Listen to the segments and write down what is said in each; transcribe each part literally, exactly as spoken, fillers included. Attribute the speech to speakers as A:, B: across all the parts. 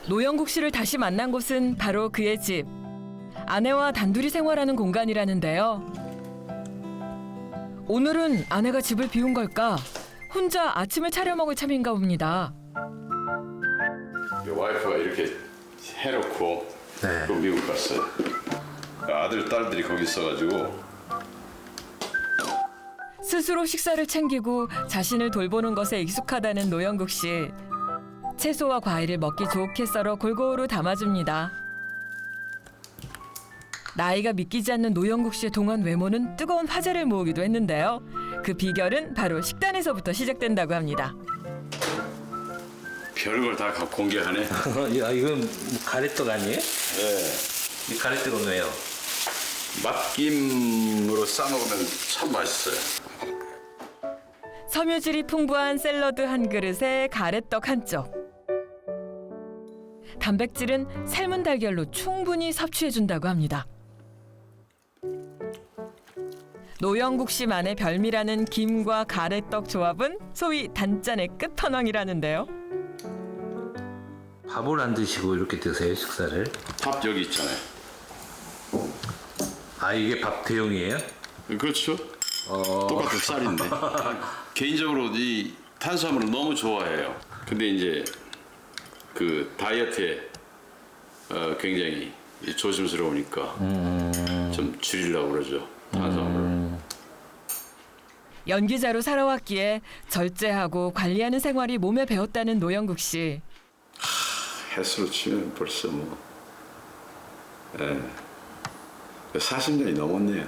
A: 노영국 씨를 다시 만난 곳은 바로 그의 집. 아내와 단둘이 생활하는 공간이라는데요. 오늘은 아내가 집을 비운 걸까? 혼자 아침을 차려 먹을 참인가 봅니다.
B: 와이프가 이렇게 해놓고
C: 네.
B: 또 미국 갔어요. 아들, 딸들이 거기 있어가지고
A: 스스로 식사를 챙기고 자신을 돌보는 것에 익숙하다는 노영국 씨. 채소와 과일을 먹기 좋게 썰어 골고루 담아줍니다. 나이가 믿기지 않는 노영국 씨의 동안 외모는 뜨거운 화제를 모으기도 했는데요. 그 비결은 바로 식단에서부터 시작된다고 합니다.
B: 별걸 다 공개하네.
C: 야, 이건 뭐 가래떡 아니에요?
B: 네.
C: 이 가래떡은 왜요?
B: 맛김으로 싸먹으면 참 맛있어요.
A: 섬유질이 풍부한 샐러드 한 그릇에 가래떡 한 쪽. 단백질은 삶은 달걀로 충분히 섭취해준다고 합니다. 노영국 씨만의 별미라는 김과 가래떡 조합은 소위 단짠의 끝판왕이라는데요.
C: 밥을 안 드시고 이렇게 드세요, 식사를?
B: 밥 여기 있잖아요.
C: 아, 이게 밥 대용이에요?
B: 그렇죠.
C: 어...
B: 똑같은 쌀인데. 개인적으로 이 탄수화물을 너무 좋아해요. 근데 이제 그 다이어트에 어, 굉장히 조심스러우니까
C: 음...
B: 좀 줄이려고 그러죠. 탄수화물을.
C: 음...
A: 연기자로 살아왔기에 절제하고 관리하는 생활이 몸에 배었다는 노영국 씨.
B: 횟수로 치면 벌써 뭐 예, 사십 년이 넘었네요.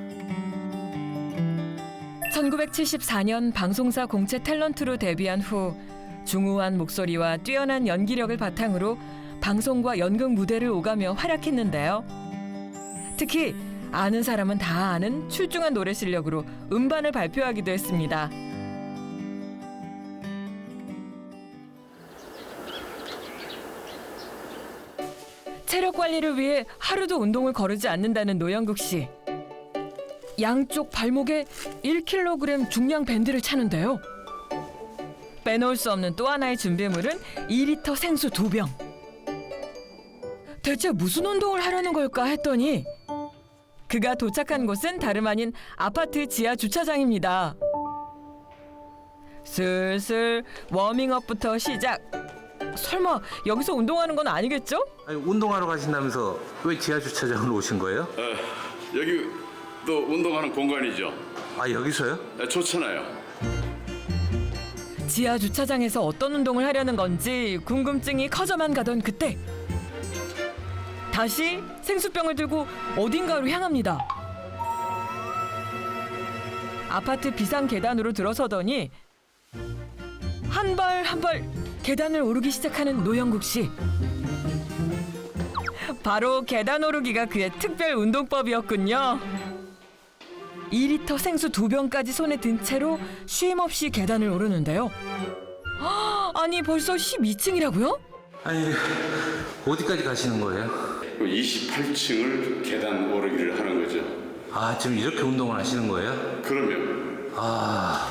A: 천구백칠십사 년 방송사 공채 탤런트로 데뷔한 후 중후한 목소리와 뛰어난 연기력을 바탕으로 방송과 연극 무대를 오가며 활약했는데요. 특히 아는 사람은 다 아는 출중한 노래 실력으로 음반을 발표하기도 했습니다. 체력 관리를 위해 하루도 운동을 거르지 않는다는 노영국 씨. 양쪽 발목에 일 킬로그램 중량 밴드를 차는데요. 빼놓을 수 없는 또 하나의 준비물은 이 리터 생수 두 병. 대체 무슨 운동을 하려는 걸까 했더니 그가 도착한 곳은 다름 아닌 아파트 지하 주차장입니다. 슬슬 워밍업부터 시작. 설마 여기서 운동하는 건 아니겠죠?
C: 아니, 운동하러 가신다면서 왜 지하 주차장으로 오신 거예요?
B: 예, 여기 또 운동하는 공간이죠.
C: 아, 여기서요?
B: 예, 좋잖아요.
A: 지하 주차장에서 어떤 운동을 하려는 건지 궁금증이 커져만 가던 그때 다시 생수병을 들고 어딘가로 향합니다. 아파트 비상 계단으로 들어서더니 한 발 한 발 계단을 오르기 시작하는 노영국 씨. 바로 계단 오르기가 그의 특별 운동법이었군요. 이 리터 생수 두 병까지 손에 든 채로 쉼 없이 계단을 오르는데요. 아니 벌써 십이 층이라고요?
C: 아니, 어디까지 가시는 거예요?
B: 이십팔 층을 계단 오르기를 하는 거죠.
C: 아, 지금 이렇게 운동을 하시는 거예요?
B: 그러면
C: 아,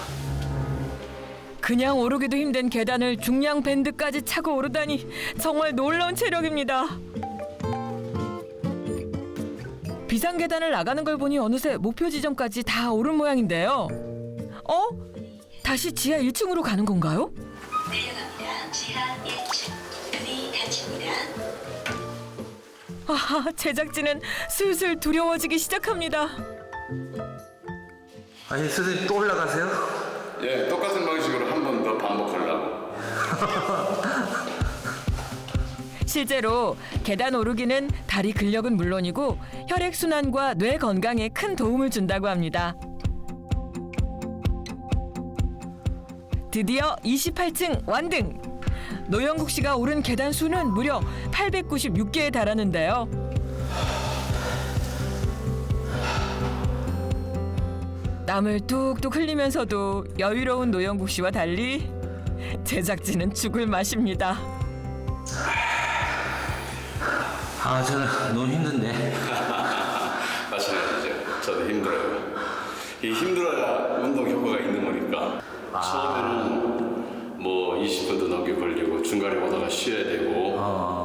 A: 그냥 오르기도 힘든 계단을 중량 밴드까지 차고 오르다니 정말 놀라운 체력입니다. 비상 계단을 나가는 걸 보니 어느새 목표 지점까지 다 오른 모양인데요. 어? 다시 지하 일 층으로 가는 건가요?
D: 내려갑니다. 지하 일 층. 문이 닫힙니다.
A: 아, 제작진은 슬슬 두려워지기 시작합니다.
C: 아니, 선생님 또 올라가세요?
B: 예, 똑같은 방식으로 한 번 더 반복하려고.
A: 실제로 계단 오르기는 다리 근력은 물론이고 혈액순환과 뇌 건강에 큰 도움을 준다고 합니다. 드디어 이십팔 층 완등! 노영국 씨가 오른 계단 수는 무려 팔백구십육 개에 달하는데요. 땀을 뚝뚝 흘리면서도 여유로운 노영국 씨와 달리 제작진은 죽을 맛입니다.
C: 아, 저는 너무 힘든데.
B: 마찬가지죠. 저도 힘들어요. 이 힘들어야 운동 효과가 있는 거니까.
C: 아.
B: 처음에는 뭐 이십 분도 넘게 걸리고 중간에 오다가 쉬어야 되고
C: 어.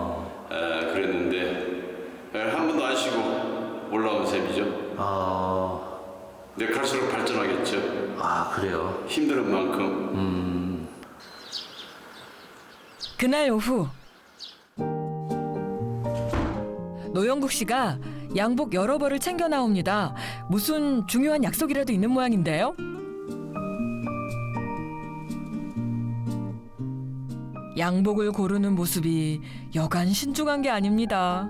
B: 갈수록 발전하겠죠.
C: 아, 그래요?
B: 힘든 만큼.
C: 음,
A: 그날 오후 노영국 씨가 양복 여러 벌을 챙겨 나옵니다. 무슨 중요한 약속이라도 있는 모양인데요. 양복을 고르는 모습이 여간 신중한 게 아닙니다.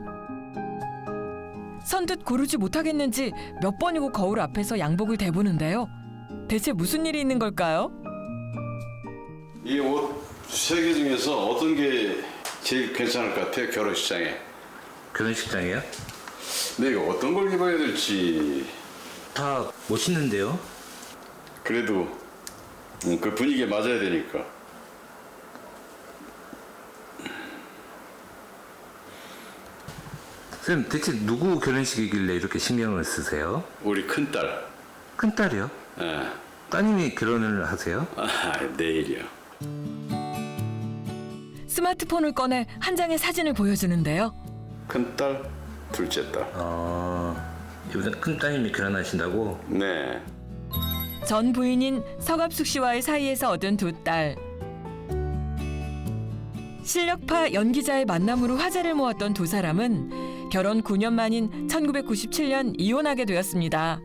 A: 선뜻 고르지 못하겠는지 몇 번이고 거울 앞에서 양복을 대보는데요. 대체 무슨 일이 있는 걸까요?
B: 이 옷 세 개 중에서 어떤 게 제일 괜찮을 것 같아요? 결혼식장에.
C: 결혼식장이요?
B: 내가 어떤 걸 입어야 될지.
C: 다 멋있는데요?
B: 그래도 음, 그 분위기에 맞아야 되니까.
C: 선생님, 대체 누구 결혼식이길래 이렇게 신경을 쓰세요?
B: 우리 큰딸.
C: 큰딸이요?
B: 예.
C: 따님이 결혼을 하세요?
B: 아, 내일이요.
A: 스마트폰을 꺼내 한 장의 사진을 보여주는데요.
B: 큰딸, 둘째 딸.
C: 어, 이번에 큰따님이 결혼하신다고?
B: 네.
A: 전 부인인 서갑숙 씨와의 사이에서 얻은 두 딸. 실력파 연기자의 만남으로 화제를 모았던 두 사람은 결혼 구 년 만인 천구백구십칠 년 이혼하게 되었습니다.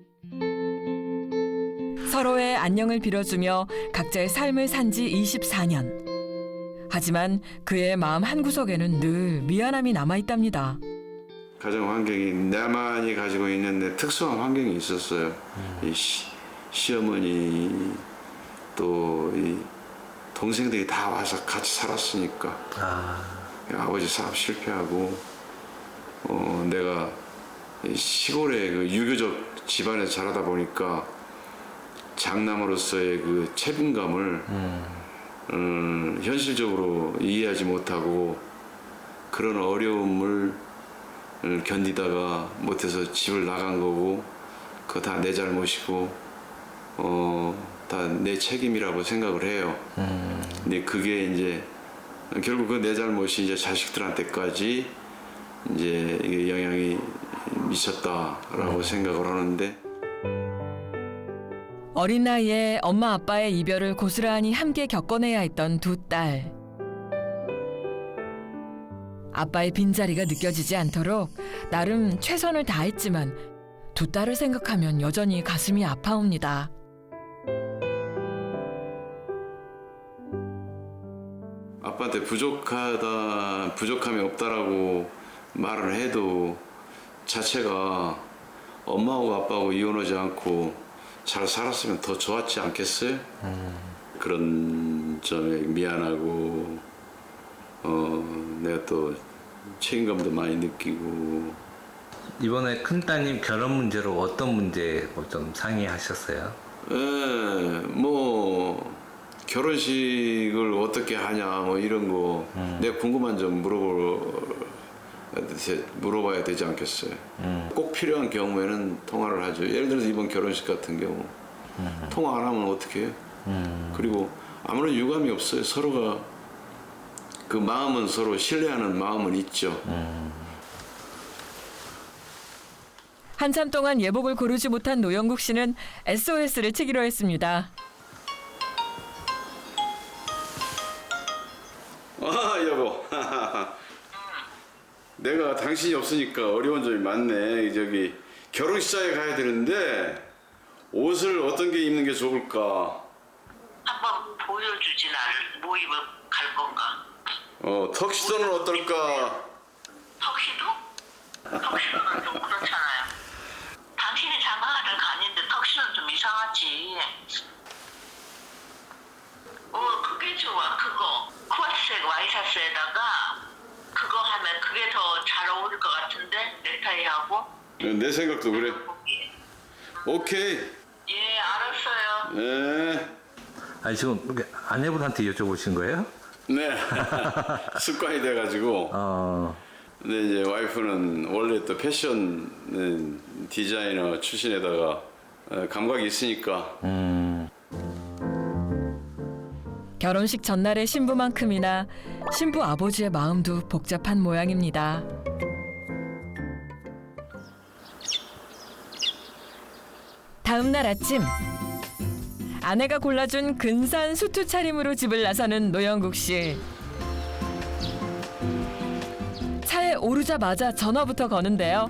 A: 서로의 안녕을 빌어주며 각자의 삶을 산 지 이십사 년. 하지만 그의 마음 한구석에는 늘 미안함이 남아있답니다.
B: 가정 환경이 나만이 가지고 있는 내 특수한 환경이 있었어요. 이 시, 시어머니 또 이 동생들이 다 와서 같이 살았으니까.
C: 아,
B: 아버지 사업 실패하고 어, 내가 이 시골의 그 유교적 집안에서 자라다 보니까 장남으로서의 그 책임감을
C: 음,
B: 음, 현실적으로 이해하지 못하고 그런 어려움을 견디다가 못해서 집을 나간 거고 그거 다 내 잘못이고 어, 다 내 책임이라고 생각을 해요.
C: 음,
B: 근데 그게 이제 결국 그 내 잘못이 이제 자식들한테까지 이제 이게 영향이 미쳤다라고 생각을 하는데
A: 어린 나이에 엄마 아빠의 이별을 고스란히 함께 겪어내야 했던 두 딸. 아빠의 빈자리가 느껴지지 않도록 나름 최선을 다했지만 두 딸을 생각하면 여전히 가슴이 아파옵니다.
B: 아빠한테 부족하다, 부족함이 없다라고 말을 해도 자체가 엄마하고 아빠하고 이혼하지 않고 잘 살았으면 더 좋았지 않겠어요?
C: 음.
B: 그런 점에 미안하고 어, 내가 또 책임감도 많이 느끼고
C: 이번에 큰따님 결혼 문제로 어떤 문제 뭐 좀 상의하셨어요?
B: 예, 뭐 결혼식을 어떻게 하냐 뭐 이런 거
C: 음.
B: 내가 궁금한 점 물어볼 물어봐야 되지 않겠어요.
C: 음.
B: 꼭 필요한 경우에는 통화를 하죠. 예를 들어서 이번 결혼식 같은 경우
C: 음.
B: 통화 안 하면 어떻게 해요?
C: 음.
B: 그리고 아무런 유감이 없어요. 서로가 그 마음은 서로 신뢰하는 마음은 있죠.
C: 음.
A: 한참 동안 예복을 고르지 못한 노영국 씨는 에스오에스를 치기로 했습니다.
B: 아 여보 내가 당신이 없으니까 어려운 점이 많네. 저기 결혼식장에 가야 되는데 옷을 어떤 게 입는 게 좋을까?
E: 한번 보여주지 나를 뭐 입을 갈 건가?
B: 어 턱시도는 어떨까?
E: 턱시도? 턱시도는 좀 그렇잖아요. 당신이 장가가는 가는데 턱시도는 좀 이상하지. 어 그게 좋아 그거 코트색 와이셔츠에다가 그거 하면 그게 더 잘 어울릴 것 같은데 넥타이하고.
B: 내 생각도 그래. 오케이.
E: 예 알았어요.
B: 네.
C: 아니 지금 이렇게 아내분한테 여쭤보신 거예요?
B: 네. 습관이 돼가지고.
C: 어,
B: 근데 이제 와이프는 원래 또 패션 디자이너 출신에다가 어, 감각이 있으니까.
C: 음,
A: 결혼식 전날의 신부만큼이나 신부 아버지의 마음도 복잡한 모양입니다. 다음 날 아침 아내가 골라준 근사한 수트 차림으로 집을 나서는 노영국 씨. 차에 오르자마자 전화부터 거는데요.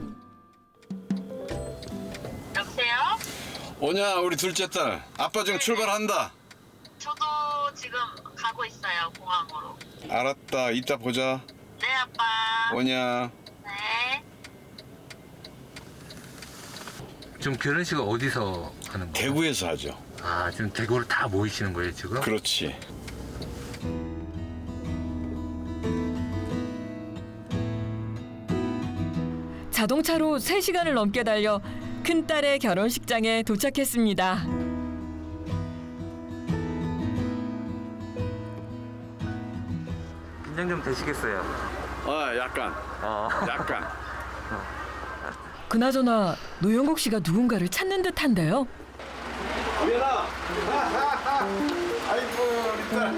E: 여보세요?
B: 오냐 우리 둘째 딸. 아빠 지금 출발한다.
E: 저도 지금 가고 있어요, 공항으로.
B: 알았다. 이따 보자.
E: 네, 아빠.
B: 오냐.
E: 네.
C: 지금 결혼식을 어디서 하는 거예요?
B: 대구에서 하죠.
C: 아, 지금 대구로 다 모이시는 거예요, 지금?
B: 그렇지.
A: 자동차로 세 시간을 넘게 달려 큰딸의 결혼식장에 도착했습니다.
C: 긴장 좀 되시겠어요?
B: 아 약간.
C: 어.
B: 약간.
A: 그나저나 노영국 씨가 누군가를 찾는 듯한데요.
B: 우연아. 아이고 우리 딸.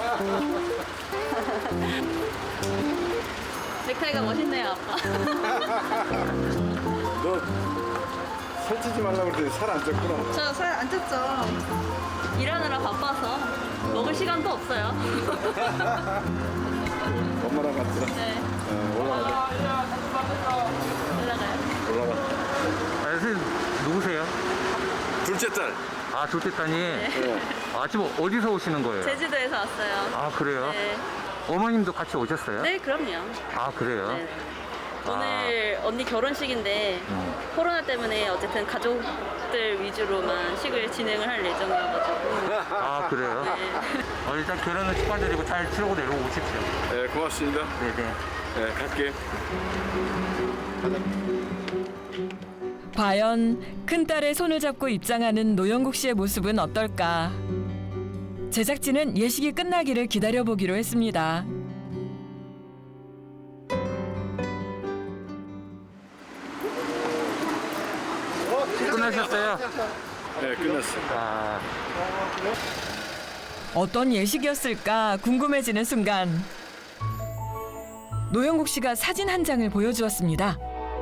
F: 넥타이가 멋있네요, 아빠.
B: 너 살찌지 말라고 그랬더니 살 안 쪘구나.
F: 저 살 안 쪘죠. 일하느라 바빠서 먹을 시간도 없어요.
B: 엄마랑 같이.
F: 네,
B: 어, 올라가.
F: 올라가요.
B: 올라가.
C: 아, 선생님, 누구세요?
B: 둘째 딸.
C: 아, 둘째 따님.
B: 네.
C: 아, 지금 어디서 오시는 거예요?
F: 제주도에서 왔어요.
C: 아, 그래요?
F: 네,
C: 어머님도 같이 오셨어요?
F: 네, 그럼요.
C: 아, 그래요?
F: 네. 오늘 언니 결혼식인데 코로나 때문에 어쨌든 가족들 위주로만 식을 진행을 할 예정이어가지고.
C: 아, 그래요?
F: 네.
C: 어, 일단 결혼을 축하드리고 잘 치르고 내려오고 오십시오.
B: 네 고맙습니다.
C: 네네.
B: 네 갈게.
A: 과연 큰딸의 손을 잡고 입장하는 노영국 씨의 모습은 어떨까? 제작진은 예식이 끝나기를 기다려보기로 했습니다.
C: 끝나셨어요?
B: 네 끝났어.
C: 아,
A: 어떤 예식이었을까 궁금해지는 순간 노영국 씨가 사진 한 장을 보여주었습니다.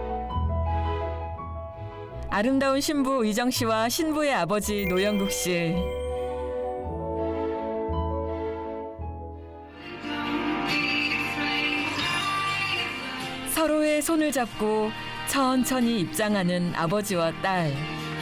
A: 아름다운 신부 의정 씨와 신부의 아버지 노영국 씨. 서로의 손을 잡고 천천히 입장하는 아버지와 딸.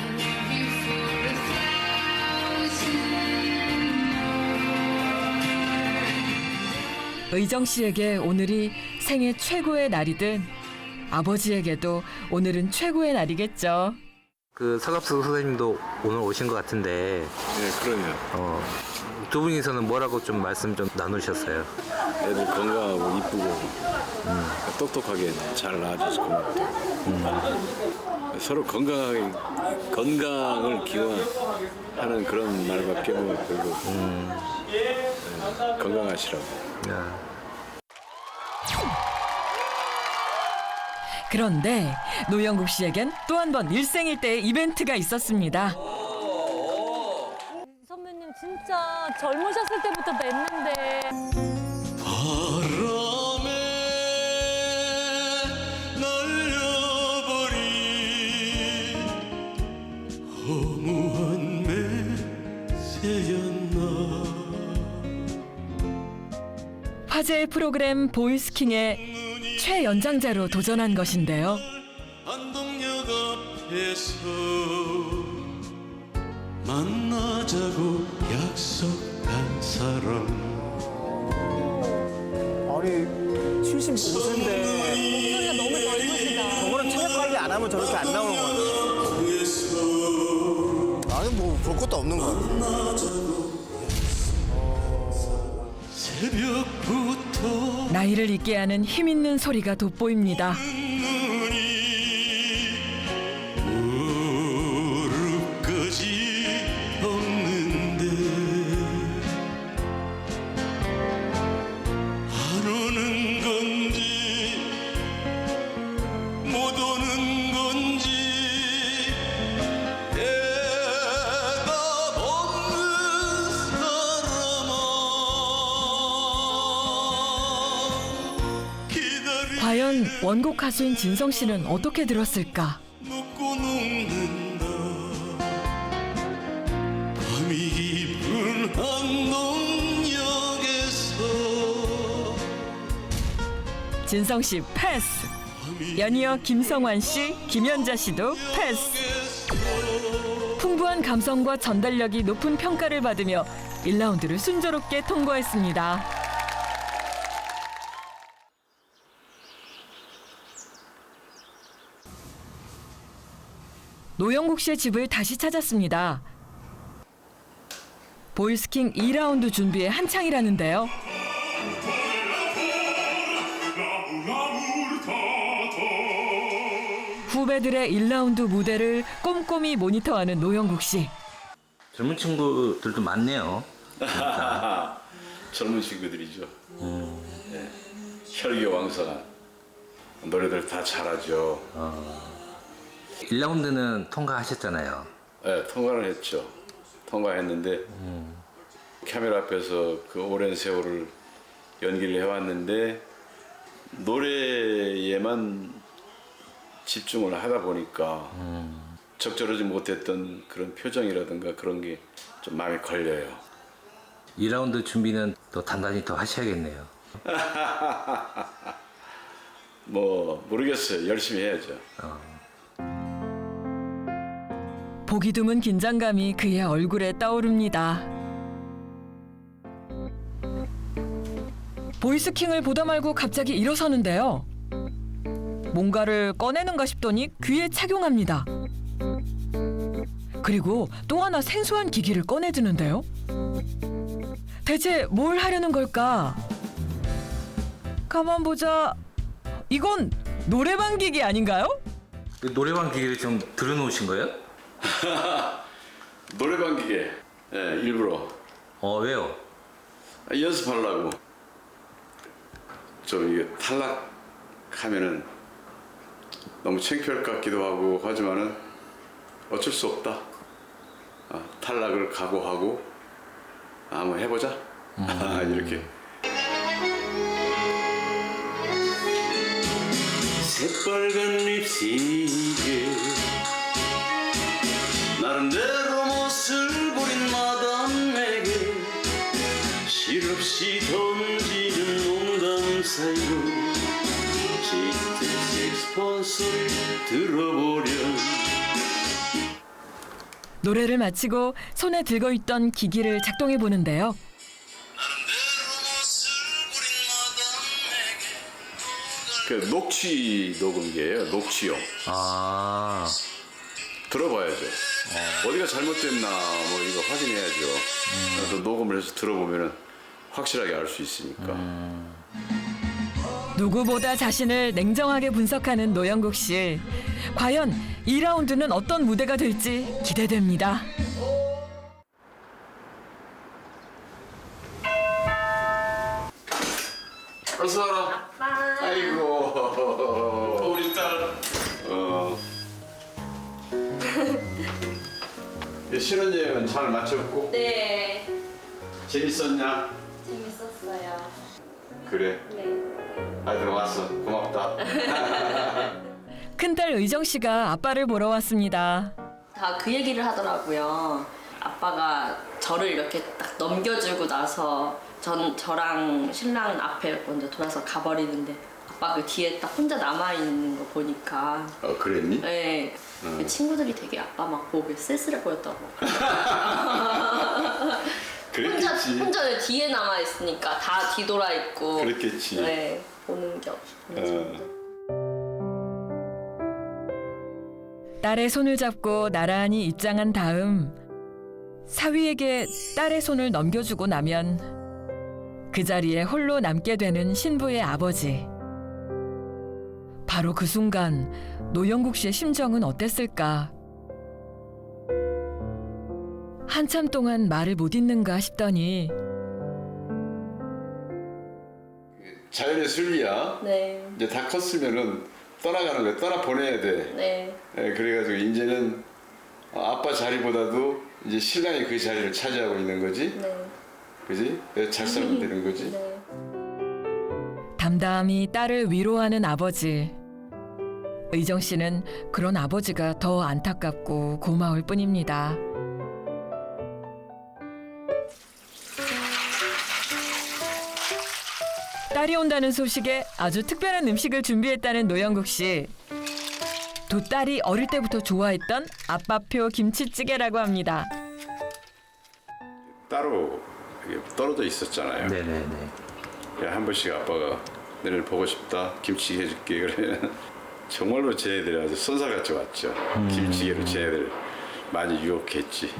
A: 의정 씨에게 오늘이 생애 최고의 날이듯 아버지에게도 오늘은 최고의 날이겠죠.
C: 그 서갑수 선생님도 오늘 오신 것 같은데,
B: 네 그러면
C: 어, 두 분이서는 뭐라고 좀 말씀 좀 나누셨어요?
B: 애들 건강하고 이쁘고 음, 똑똑하게 잘 낳아줘서 고맙다. 음. 서로 건강하게 건강을 기원하는 그런 말밖에 뭐 별로 음. 네, 건강하시라고.
C: 야.
A: 그런데 노영국 씨에겐 또 한 번 일생일대의 이벤트가 있었습니다.
G: 선배님 진짜 젊으셨을 때부터 뵀는데
H: 바람에 날려버린 허무한 매새였나.
A: 화제의 프로그램 보이스킹의 최연장자로 도전한 것인데요.
H: 안동역 앞에서 만나자고 약속한 사람.
I: 아니 칠십오 세인데
G: 목소리가 너무 젊으시다.
I: 저거는 체력 관리 안 하면 저렇게 안 나오는 거야. 나는 뭐 볼 것도 없는 거야.
H: 새벽부터
A: 나이를 잊게 하는 힘 있는 소리가 돋보입니다.
H: 무릎까지 없는데 안 오는 건지 못 오는 건지 대답 없는 사람아 기다리
A: 과연 원곡 가수인 진성 씨는 어떻게 들었을까?
H: 묻고 녹는다. 안동역에서
A: 진성 씨 패스. 연이어 김성환 씨, 김연자 씨도 패스. 풍부한 감성과 전달력이 높은 평가를 받으며 일 라운드를 순조롭게 통과했습니다. 노영국 씨의 집을 다시 찾았습니다. 보이스킹 이 라운드 준비에 한창이라는데요. 후배들의 일 라운드 무대를 꼼꼼히 모니터하는 노영국 씨.
C: 젊은 친구들도 많네요.
B: 젊은 친구들이죠. 네. 혈기왕성한 노래들 다 잘하죠.
C: 일 라운드는 통과하셨잖아요.
B: 네, 통과를 했죠. 통과했는데
C: 음.
B: 카메라 앞에서 그 오랜 세월을 연기를 해왔는데 노래에만 집중을 하다 보니까
C: 음.
B: 적절하지 못했던 그런 표정이라든가 그런 게 좀 마음에 걸려요.
C: 이 라운드 준비는 또 단단히 더 하셔야겠네요.
B: 뭐 모르겠어요. 열심히 해야죠.
A: 보기 드문 긴장감이 그의 얼굴에 떠오릅니다. 보이스킹을 보다 말고 갑자기 일어서는데요. 뭔가를 꺼내는가 싶더니 귀에 착용합니다. 그리고 또 하나 생소한 기기를 꺼내드는데요. 대체 뭘 하려는 걸까? 가만 보자. 이건 노래방 기기 아닌가요?
C: 그 노래방 기계를 좀 들여놓으신 거예요?
B: 노래방 기계 예, 일부러
C: 어, 왜요?
B: 연습하려고. 좀 이게 탈락하면은 너무 창피할 것 같기도 하고 하지만은 어쩔 수 없다. 아, 탈락을 각오하고 아, 한번 해보자. 음. 이렇게. 새빨간 립스틱에 나름대로 멋을 부린 마담에게 실없이 던지는 농담 사이로 짙은 색스폰 소리 들어보렴.
A: 노래를 마치고 손에 들고 있던 기기를 작동해 보는데요.
B: 그 녹취 녹음기예요. 녹취용.
C: 아,
B: 들어봐야죠. 어. 디가 잘못됐나 뭐 이거 확인해야죠. 그래서 녹음을 해서 들어보면은 확실하게 알 수 있으니까.
C: 음.
A: 누구보다 자신을 냉정하게 분석하는 노영국 씨. 과연 이 라운드는 어떤 무대가 될지 기대됩니다.
B: 어서 와라. 아빠. 아이고. 우리 딸. 어. 신혼여행은 잘 마쳤고?
F: 네,
B: 재밌었냐?
F: 재밌었어요.
B: 그래.
F: 네.
B: 아이들 왔어. 고맙다.
A: 큰딸 의정 씨가 아빠를 보러 왔습니다.
F: 다 그 얘기를 하더라고요. 아빠가 저를 이렇게 딱 넘겨주고 나서 전 저랑 신랑 앞에 먼저 돌아서 가버리는데 아빠 그 뒤에 딱 혼자 남아 있는 거 보니까
B: 어, 그랬니?
F: 네.
B: 음.
F: 친구들이 되게 아빠 막 보고 쓸쓸해 보였다고.
B: 그랬겠지.
F: 혼자 혼자 뒤에 남아 있으니까 다 뒤돌아 있고.
B: 그랬겠지.
F: 네, 보는 게 없어.
B: 어.
A: 딸의 손을 잡고 나란히 입장한 다음 사위에게 딸의 손을 넘겨주고 나면 그 자리에 홀로 남게 되는 신부의 아버지. 바로 그 순간 노영국 씨의 심정은 어땠을까? 한참 동안 말을 못 잇는가 싶더니
B: 자연의 순리야.
F: 네.
B: 이제 다 컸으면은 떠나가는 거야. 떠나 보내야 돼.
F: 네.
B: 예, 그래가지고 이제는 아빠 자리보다도 이제 신랑이 그 자리를 차지하고 있는 거지.
F: 네.
B: 그지? 잘 살면 되는 거지.
F: 네.
A: 담담히 딸을 위로하는 아버지. 의정 씨는 그런 아버지가 더 안타깝고 고마울 뿐입니다. 딸이 온다는 소식에 아주 특별한 음식을 준비했다는 노영국 씨. 두 딸이 어릴 때부터 좋아했던 아빠표 김치찌개라고 합니다.
B: 따로 이게 떨어져 있었잖아요.
C: 네네네.
B: 한 번씩 아빠가 너를 보고 싶다 김치찌개 해줄게 그러면 정말로 쟤네들이 아주 선사같이 왔죠.
C: 음.
B: 김치찌개로 쟤네들 많이 유혹했지.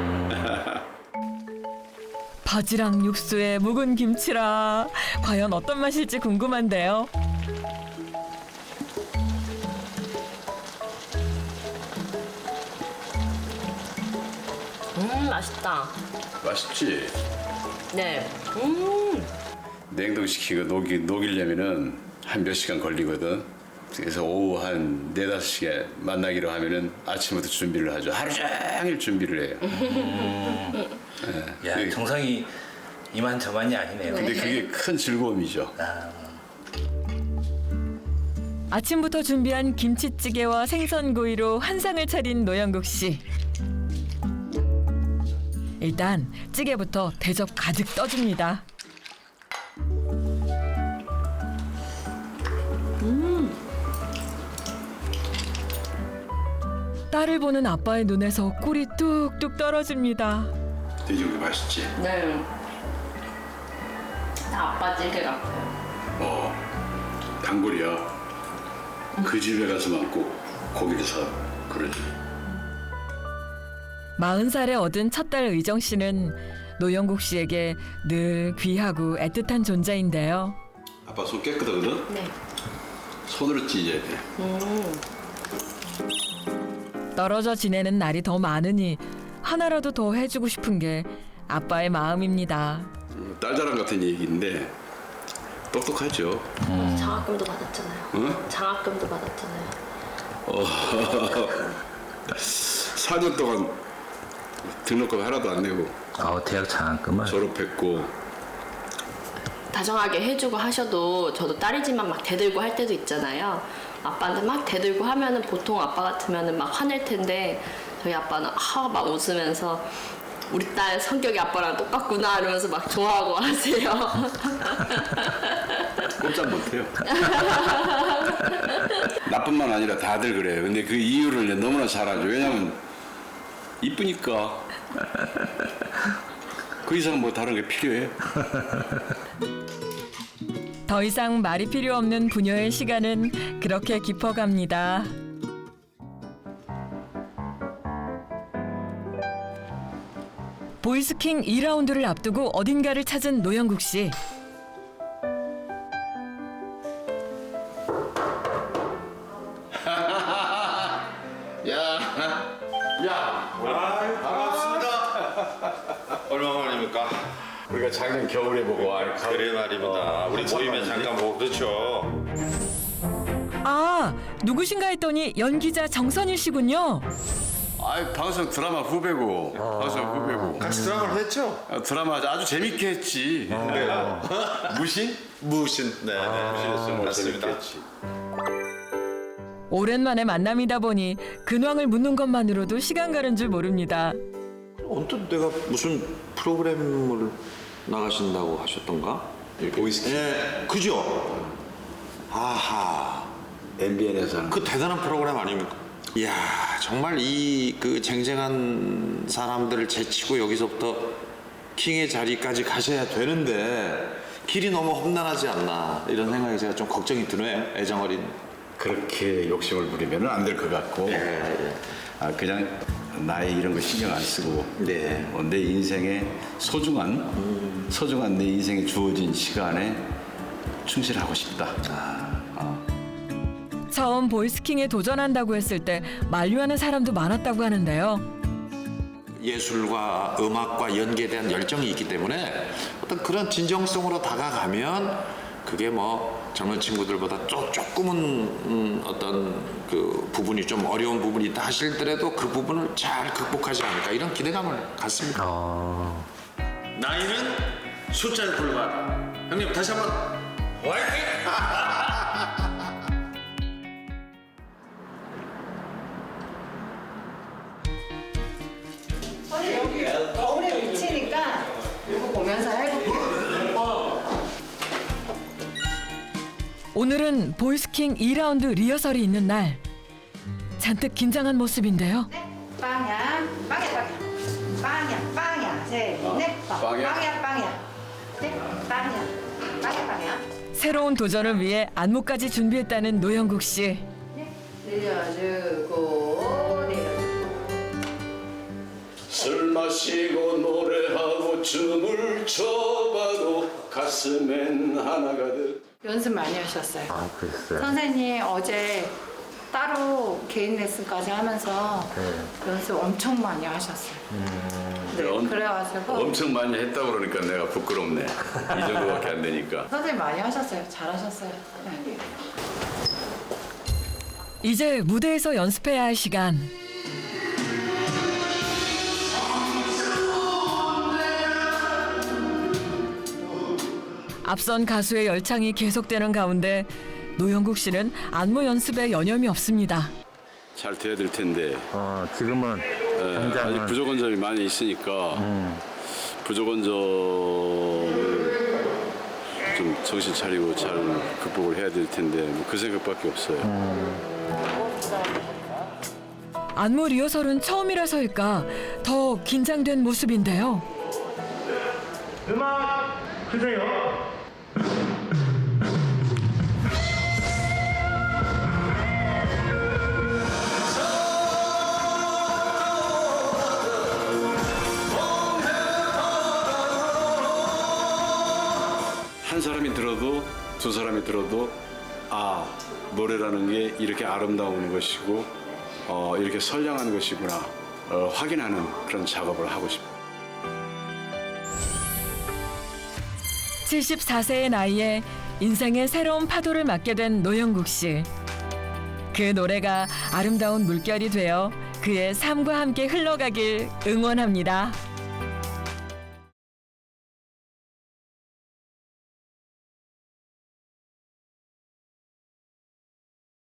A: 바지락 육수에 묵은 김치라 과연 어떤 맛일지 궁금한데요.
F: 음 맛있다.
B: 맛있지?
F: 네. 음.
B: 냉동시키고 녹이, 녹이려면은 한 몇 시간 걸리거든. 그래서 오후 한 네다섯 시에 만나기로 하면은 아침부터 준비를 하죠. 하루 종일 준비를 해요. 네.
C: 야,
B: 그게-
C: 정성이 이만저만이 아니네요.
B: 근데 그게 큰 즐거움이죠.
C: 아,
A: 아침부터 준비한 김치찌개와 생선구이로 한상을 차린 노영국 씨. 일단 찌개부터 대접 가득 떠줍니다. 딸을 보는 아빠의 눈에서 꿀이 뚝뚝 떨어집니다.
B: 돼지고기 맛있지?
F: 네. 다 아빠 찌개 같아요.
B: 어, 단골이야. 그 집에 가서만 꼭 고기를 사 그러지.
A: 마흔 살에 얻은 첫 딸 의정 씨는 노영국 씨에게 늘 귀하고 애틋한 존재인데요.
B: 아빠 손 깨끗하거든?
F: 네.
B: 손으로 찢어야 돼.
A: 떨어져 지내는 날이 더 많으니 하나라도 더 해주고 싶은 게 아빠의 마음입니다.
B: 음, 딸 자랑 같은 얘기인데 똑똑하죠.
F: 장학금도 받았잖아요.
B: 응?
F: 장학금도 받았잖아요.
B: 사 년 동안 등록금 하나도 안 내고
C: 어, 대학 장학금을.
B: 졸업했고.
F: 다정하게 해주고 하셔도 저도 딸이지만 막 대들고 할 때도 있잖아요. 아빠한테 막 대들고 하면은 보통 아빠 같으면은 막 화낼 텐데 저희 아빠는 아 막 웃으면서 우리 딸 성격이 아빠랑 똑같구나 이러면서 막 좋아하고 하세요.
B: 꼼짝 못해요. 나뿐만 아니라 다들 그래요. 근데 그 이유를 이제 너무나 잘 알죠. 왜냐면 이쁘니까. 그 이상 뭐 다른 게 필요해요?
A: 더 이상 말이 필요 없는 부녀의 시간은 그렇게 깊어갑니다. 보이스킹 이 라운드를 앞두고 어딘가를 찾은 노영국 씨.
J: 얼마만입니까?
B: 우리가 작년 겨울에 보고 아,
J: 그래 말입니다. 우리 모임에 잠깐 보고 그렇죠.
A: 아, 누구신가 했더니 연기자 정선일 씨군요.
B: 아, 방송 드라마 후배고, 방송 후배고.
J: 같이 드라마를 했죠?
B: 아, 드라마 아주 재밌게 했지. 무신?
J: 무신. 네, 네. 무신했어요. 맞습니다.
B: 재밌게 했지.
A: 오랜만에 만남이다 보니 근황을 묻는 것만으로도 시간 가는 줄 모릅니다.
K: 언뜻 내가 무슨 프로그램을 나가신다고 하셨던가?
J: 보이스키.
K: 예, 그죠? 아하,
B: 엠비엔에서 하는
K: 그 대단한 프로그램 아닙니까? 이야, 정말 이 그 쟁쟁한 사람들을 제치고 여기서부터 킹의 자리까지 가셔야 되는데 길이 너무 험난하지 않나 이런 생각이 제가 좀 걱정이 드네요. 애정어린.
B: 그렇게 욕심을 부리면 안 될 것 같고
K: 예,
B: 아, 그냥 나이 이런 거 신경 안 쓰고
K: 네.
B: 어, 내 인생의 소중한
K: 음.
B: 소중한 내 인생에 주어진 시간에 충실하고 싶다. 어.
A: 처음 보이스킹에 도전한다고 했을 때 만류하는 사람도 많았다고 하는데요.
K: 예술과 음악과 연기에 대한 열정이 있기 때문에 어떤 그런 진정성으로 다가가면 그게 뭐 젊은 친구들보다 조, 조금은 음, 어떤 그 부분이 좀 어려운 부분이 있다 하실더라도 그 부분을 잘 극복하지 않을까 이런 기대감을 갖습니다.
C: 어,
K: 나이는 숫자에 불과하다. 형님 다시 한번 화이팅!
L: 거울에 비치니까 이거 보면서 해볼게요.
A: 오늘은 보이스킹 이 라운드 리허설이 있는 날. 잔뜩 긴장한 모습인데요.
L: 빵야, 빵야, 빵야, 빵야, 빵야, 셋, 넷, 빵야, 빵야, 빵야, 넷, 빵야, 빵야, 빵야.
A: 새로운 도전을 위해 안무까지 준비했다는 노영국 씨.
L: 내려주고 내려주고.
B: 술 마시고 노래하고 춤을 춰봐도 가슴엔 하나 가득.
L: 연습 많이 하셨어요.
C: 아, 그랬어요.
L: 선생님 어제 따로 개인 레슨까지 하면서
C: 네.
L: 연습 엄청 많이 하셨어요. 네,
B: 엄-
L: 그래가지고
B: 엄청 많이 했다 그러니까 내가 부끄럽네. 이 정도밖에 안 되니까.
L: 선생님 많이 하셨어요. 잘하셨어요. 네.
A: 이제 무대에서 연습해야 할 시간. 앞선 가수의 열창이 계속되는 가운데 노영국 씨는 안무 연습에 여념이 없습니다.
B: 잘 돼야 될 텐데
C: 어, 지금은
B: 예, 아직
C: 당장은
B: 부족한 점이 많이 있으니까
C: 음.
B: 부족한 점을 좀 정신 차리고 잘 극복을 해야 될 텐데 뭐그 생각밖에 없어요.
A: 안무 리허설은 처음이라서일까 더 긴장된 모습인데요.
H: 음악 주세요.
B: 한 사람이 들어도 두 사람이 들어도 아 노래라는 게 이렇게 아름다운 것이고 어, 이렇게 선량한 것이구나 어, 확인하는 그런 작업을 하고 싶어요.
A: 칠십사 세의 나이에 인생의 새로운 파도를 맞게 된 노영국 씨. 그 노래가 아름다운 물결이 되어 그의 삶과 함께 흘러가길 응원합니다.